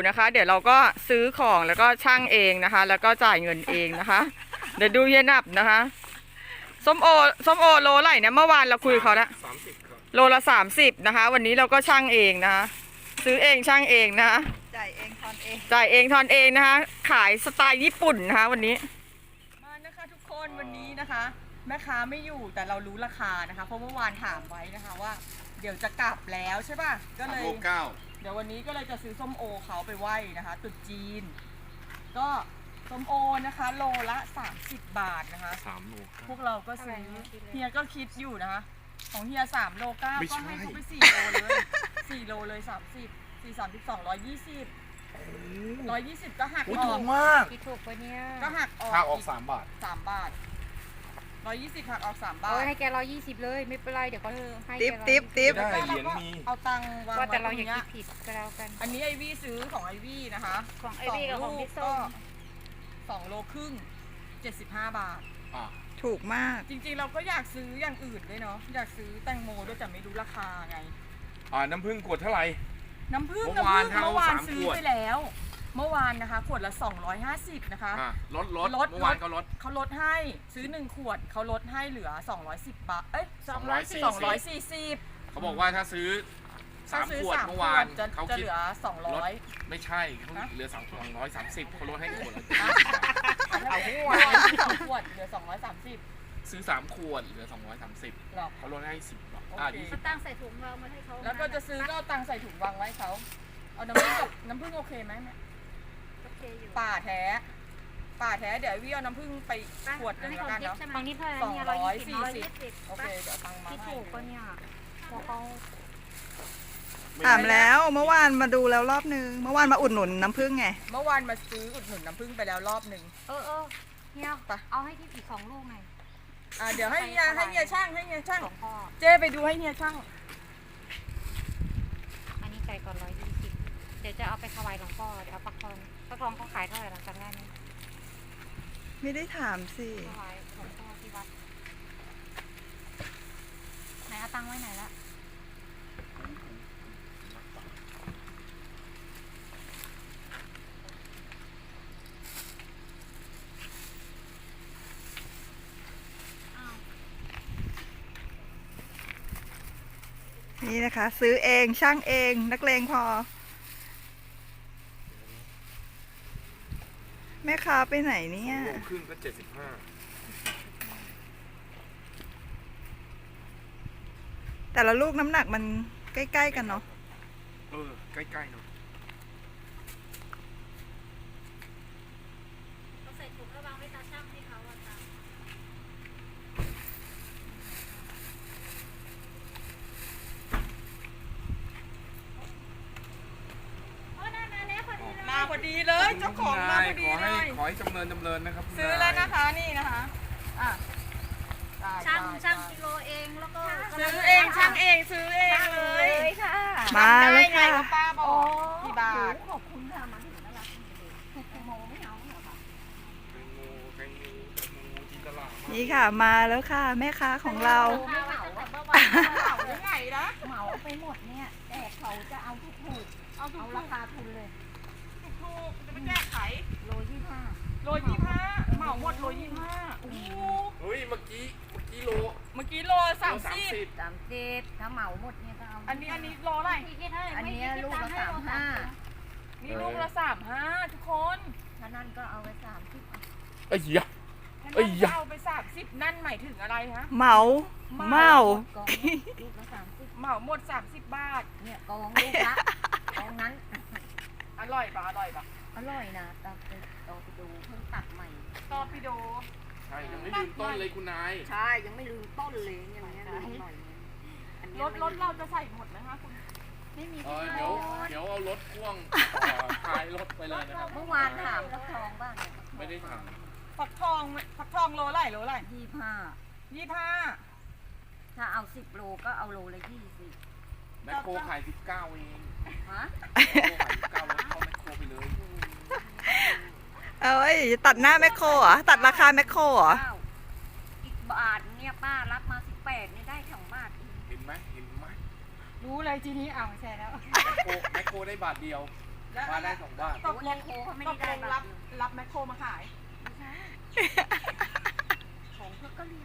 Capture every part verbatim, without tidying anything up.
นะคะ เดี๋ยวเราก็ซื้อของแล้วก็ช่างเองนะคะ แล้วก็จ่ายเงินเองนะคะ เดี๋ยวดูเฮียนับนะคะส้มโอส้มโอโลไหร่เนี่ยเมื่อวานเราคุยเขาละสามสิบครับโลละสามสิบนะคะ วันนี้เราก็ช่างเองนะคะซื้อเองช่างเองนะคะจ่ายเองทอนเองจ่ายเองทอนเองนะคะ ขายสไตล์ญี่ปุ่นนะคะวันนี้มานะคะทุกคนวันนี้นะคะแม่ค้าไม่อยู่แต่เรารู้ราคานะคะเพราะเมื่อวานถามไว้นะคะว่าเดี๋ยวจะกลับแล้วใช่ป่ะก็เลยเก้าเดี๋ยววันนี้ก็เลยจะซื้อส้มโอเขาไปไหว้นะคะตรุษจีนก็ส้มโอนะคะโลละสามสิบบาทนะคะสามโลพวกเราก็ซื้อเฮียก็คิดอยู่นะคะของเฮียสามโลเก้าก็ให้เขาไปสี่โลเลยสี่โลเลยสามสิบสี่สามสิบสองร้อยยี่สิบร้อยยี่สิบก็หักออกถูกมากคิดถูกปะเนี่ยก็หักออกหักออกสามบาทสามบาทร้อยยี่สิบหักออกสามบาทโอ้ยให้แกร้อยยี่สิบเลยไม่เป็นไรเดี๋ยวก็ให้ติ๊บติ๊บติ๊บได้เหรียญมีเอาตังค์วางไว้ว่าแต่เราตรงอย่านี้คิดผิดก็แล้วกันอันนี้ไอวี่ซื้อของไอวี่นะคะของไอวี่กับของพี่ส้มสองโลครึ่งเจ็ดสิบห้าบาทถูกมากจริงๆเราก็อยากซื้ออย่างอื่นด้วยเนาะอยากซื้อแตงโมด้วยแต่ไม่รู้ราคาไงอ่าน้ำผึ้งขวดเท่าไหร่น้ำผึ้งน้ำผึ้งเมื่อวานซื้อไปแล้วเมื่อวานนะคะขวดละสองร้อยห้าสิบนะคะลดลดเมื่อวานก็ลดเขาลดให้ซื้อหนึ่งขวดเขาลดให้เหลือสองร้อยสิบบาทเอ้ยสองร้อยสี่สิบเขาบอกว่าถ้าซื้อสามขวดเมื่อวานเขาจะเหลือสองร้อยไม่ใช่เขาเหลือสองร้อยสามสิบเขาลดให้ขวดละเอาขวดสองขวดเหลือสองร้อยสามสิบซื้อสามขวดเหลือสองร้อยสามสิบเขาลดให้สิบบาทอ่ายี่สิบตั้งใส่ถุงเรามาให้เขาแล้วก็จะซื้อก็เอาตังใส่ถุงวางไว้เขาเอาน้ำผึ้งกับน้ำผึ้งโอเคไหมแม่โอเคอยู่ป่าแท้ป่าแท้เดี๋ยววี่เอาน้ำผึ้งไปขวดหนึ่งแล้วกันเนาะบางนี่เท่าไหร่สองร้อยสี่สิบโอเคเดี๋ยวตังมาที่ถูกก็เนี่ยพอเขาถามแล้วเมื่อวานมาดูแล้วรอบนึงเมื่อวานมาอุดหนุนน้ำผึ้งไงเมื่อวานมาซื้ออุดหนุนน้ำผึ้งไปแล้วรอบหนึ่งเออเออเฮียเอาให้ที่อีกสองลูกไงอ่าเดี๋ยวให้เฮียให้เฮียช่างให้เฮียช่างเจ๊ไปดูให้เฮียช่างอันนี้ใจก่อนร้อยยี่สิบเดี๋ยวจะเอาไปถวายหลวงพ่อเดี๋ยวเอาปักทองปักทองเขาขายเท่าไหร่หลังจากนั้นไม่ได้ถามสิถวายหลวงพ่อที่วัดไหนเอาตังไว้ไหนละนี่นะคะซื้อเองช่างเองนักเลงพอแม่ค้าไปไหนเนี่ยโลครึ่งก็เจ็ดสิบห้าแต่ละลูกน้ำหนักมันใกล้ๆกันเนาะเออใกล้ๆเนาะใส่ถุงแล้ววางไว้ตาช่างให้เขาอ่ะตามาพอดีเลยเจ้าของมาพอดีเลยขอให้จำเริญจำเริญนะครับซื้อแล้วนะคะนี่นะคะอ่ะช่างช่างกิโลเองแล้วก็ซื้อเองช่างเองซื้อเองเลยค่ะมาเลยค่ะป้าบอกกี่บาทขอบคุณค่ะมาถึงน่ารักแตงโมไม่เอาเหรอคะแตงโมแตงโมแตงโมที่ตลาดนี่ค่ะมาแล้วค่ะแม่ค้าของเราไม่เหมาเมื่อวานเหมาได้ไงนะเหมาไปหมดเนี่ยแต่เขาจะเอาทุกถูกเอาเอาราคาทุนเลยถูกจะไปแก้ไขโลยี่ห้าโลยี่ห้าเหมาหมดโลยี่ห้าโอ้เฮ้ยเมื่อกี้เมื่อกี้โลเมื่อกี้โลสามสิบสามสิบถ้าเหมาหมดเนี่ยก็เอาอันนี้อันนี้โลอะไรอันนี้ลูกละสามห้านี่ลูกละสามห้าทุกคนถ้านั่นก็เอาไปสามสิบไอ้ยะไอ้ยะเอาไปสามสิบนั่นหมายถึงอะไรคะเหมาเหมาลูกละสามสิบเหมาหมดสามสิบบาทเนี่ยกองลูกละกองนั้นอร่อยปะอร่อยปะอร่อยนะตอไปตอไปดูเพิ่งตัดใหม่ตอปิโดใช่ยังไม่ลืมต้นเลยคุณนายใช่ยังไม่ลืมต้นเลยอย่างเงี้ยอร่อยรถรถเราจะใส่หมดไหมคะคุณไม่มีเดี๋ยวเดี๋ยวเอารถพ่วงพายรถไปเลยนะครับเมื่อวานถามฟักทองบ้างไม่ได้ถามฟักทองฟักทองโลไรโลไรยี่ห้ายี่ห้าถ้าเอาสิบโลก็เอาโลละยี่สิบแมคโครขายสิบเก้าเองฮะแมคโครขายสิบเก้าแล้วเข้าแมคโครไปเลยเอ้ยตัดหน้าแมคโครเหรอตัดราคาแมคโครเหรออีกบาทเนี่ยป้ารับมาสิบแปดนี่ได้สองบาทเห็นไหมเห็นไหมรู้เลยทีนี้เอาใช่แล้วแมคโครได้บาทเดียวแล้วบ้านได้สองบ้านตกลงโอ้เขาไม่ตได้กได้ลงรับรับแมคโครมาขายของเพื่อก็เรียก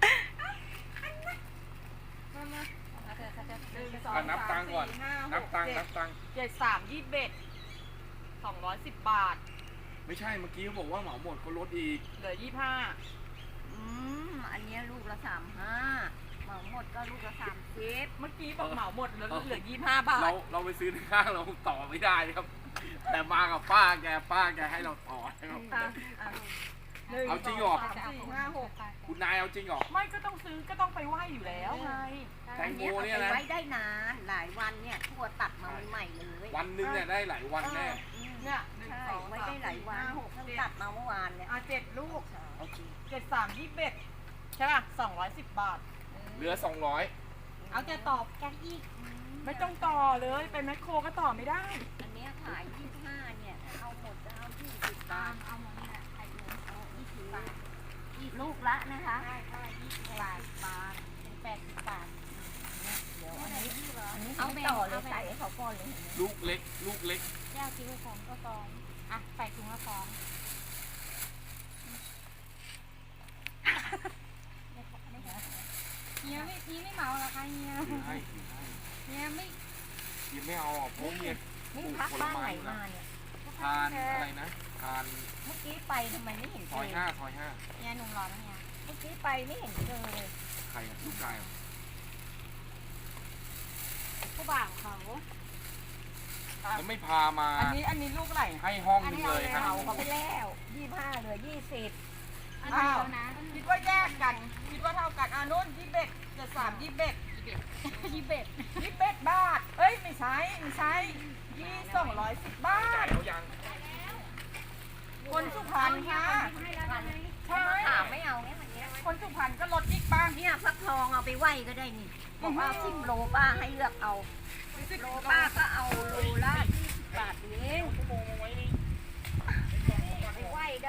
มามาเอาเถอะเขาจะหนึ่งสองอ่ะนับตังค์ก่อนสามสี่ห้าหนับกตังค์เจ็ดนับตังค์เจ็ดสามยี่สิบเอ็ดสองร้อยสิบบาทไม่ใช่เมื่อกี้เขาบอกว่าเหมาหมดเขาลดอีกเหลือยี่สิบห้าอืมอันเนี้ยลูกละสามห้าเหมาหมดก็ลูกละสามสิบเมื่อกี้บอกเหมาหมดแล้วเหลือยี่สิบห้าบาทเราเราไปซื้อในห้างเราต่อไม่ได้ครับ แต่มากับป้าแกป้าแกให้เราต่อนะครับอ่ะอ่ะหนึ่เอาจริงเหรอสามสี่ห้าหกคุณนายเอาจริงเหรอไม่ก็ต้องซื้อก็ต้องไปไหว้อยู่แล้วไงแตงโมอัเนี่ยอานะไปไว้ได้นานหลายวันเนี่ยทั่วตัดมาใหม่ๆเลยวันหนึงเนี่ยได้หลายวันแน่เนี่ยหนึ่งใช่สองไว้สามได้หลายสี่วันห้าหกเพิ่งเจ็ดตัดมาเมื่อวานเนี่ยอ่ะเจ็ดลูกเอาจริงเจ็ดสามยี่สิบเอ็ดใช่ป่ะสองร้อยสิบบาทเหลือสองร้อยเอาแกตอบกันอีกไม่ต้องต่อเลยไปแมคโครก็ต่อไม่ได้อันเนี้ยขายยี่สิบห้าเนี่ยถ้าเอาหมดจะเอายี่สิบบาทเอาหมดเนี่ยไข่หมูเอายี่สิบบาทยี่ลูกละนะคะใช่ใช่ยี่สิบบาทบาทเป็นแปดสิบบาทเดี๋ยวอันนี้อันนี้เอาต่อเลยใส่ให้เขาก่อนเลยเห็นไหมลูกเล็ก ลูกเล็กแก้วคิ้วฟองก็ฟองอ่ะใส่ถุงละฟองเฮียไม่พี่ไม่เหมาหรอคะเฮียถือให้ถือให้เฮียไม่กินไม่เอาอ่ะเพราะเนี่ยปนี่ลูกพักผลบ้านไม้ไหนอยู่มานะเนี่ยทานอะไรนะทานเมื่อกี้ไปทำไมไม่เห็นซเจออยห้าซอยห้าเนี่ยหนุ่มรอแล้วเนี่ยเมื่อกี้ไปไม่เห็นเจอเลยใครอ่ะลูกชายอ่ะผู้บ่าวเขาแล้วไม่พามาอันนี้อันนี้ลูกไหนให้ห้องหนึงเลยครับเอาเขาไปแล้วยี่ห้าเหลือยี่สิบอ้าวคิดว่าแยกกัน คิดว่าเท่ากันอ่ะนุ่นยี่สิบเอ็ดเจ็ดสามยี่สิบเอ็ดยี่สิบเอ็ดยี่สิบเอ็ดบาท เอ้ยไม่ใช่ไม่ใช่ยี่สองร้อยสิบบาจ่ายทแล้วยังคนสุพรรณค่ะใช่ถามไม่เอาเนี่ยวันนี้คนสุพรรณก็ลดอีกบ้างเนี่ยฟักทองเอาไปไหวก็ได้นี่บอกว่าสิบโลป้าให้เลือกเอาโลป้าก็เอาโลละยี่สิบบาทเองไปไหวได้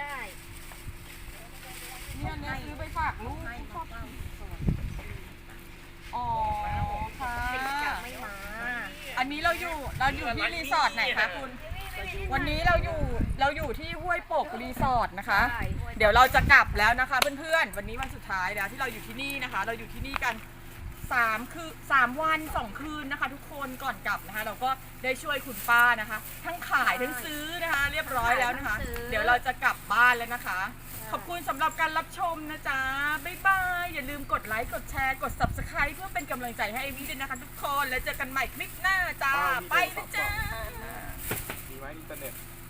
เนี่ยเนี่ยซื้อไปฝากลูกให้มาเป้าส่วนอ๋อค่ะจะไม่มาอันนี้เราอยู่เราอยู่ที่รีสอร์ทไหนคะคุณ วันนี้เราอยู่เราอยู่ที่ห้วยโป่งรีสอร์ทนะคะ เดี๋ยวเราจะกลับแล้วนะคะเพื่อนๆ วันนี้วันสุดท้ายแล้วที่เราอยู่ที่นี่นะคะ เราอยู่ที่นี่กันสามคือสามวันสองคืนนะคะ ทุกคนก่อนกลับนะคะ เราก็ได้ช่วยคุณป้านะคะ ทั้งขายทั้งซื้อนะคะ เรียบร้อยแล้วนะคะ เดี๋ยวเราจะกลับบ้านแล้วนะคะ ขอบคุณสำหรับการรับชมนะจ๊ะ บ๊ายบาย อย่าลืมกดไลค์ กดแชร์ กด ซับสไครบ์ เพื่อเป็นกำลังใจให้ไอวี่ด้วยนะคะทุกคน แล้วเจอกันใหม่คลิปหน้าจ้า ไปนะจ๊ะมีไหมอินเทอร์เน็ต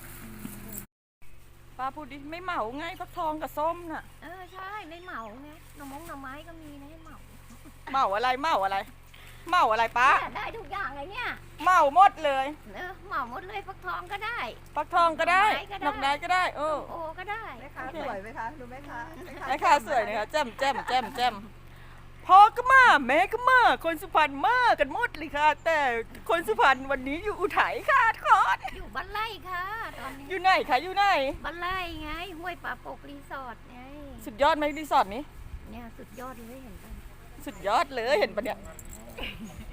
ป้าพูดดิ ไม่เหมาไงฟักทองกับส้มน่ะเออใช่ไม่เหมาไงหน่อมงหน่อไม้ก็มีนะให้เหมาเหมาอะไร เหมาอะไร เหมาอะไรป้าเนี่ยได้ทุกอย่างเลยเนี่ยเหมาหมดเลยเออเหมาหมดเลยฟักทองก็ได้ฟักทองก็ได้ดดออก กไม้ไม้ก็ก็ได้ได้ เออโอก็ได้แม่ค้าสวยไหมคะ ดูแม่ค้าแม่ค้าสวยนะคะแจ่มแจ่มแจ่มแจ่มพ่อก็มาแม่ก็มาคนสุพรรณมากันหมดเลยค่ะ แต่คนสุพรรณวันนี้อยู่อุทัยค่ะทุกคนอยู่บ้านไร่ค่ะตอนนี้อยู่ไหนคะอยู่ไหนบ้านไร่ไงห้วยป่าปกรีสอร์ทไงสุดยอดไหมรีสอร์ทนี้เนี่ยสุดยอดเลยเห็นปะสุดยอดเลยเห็นปะเนี่ยเ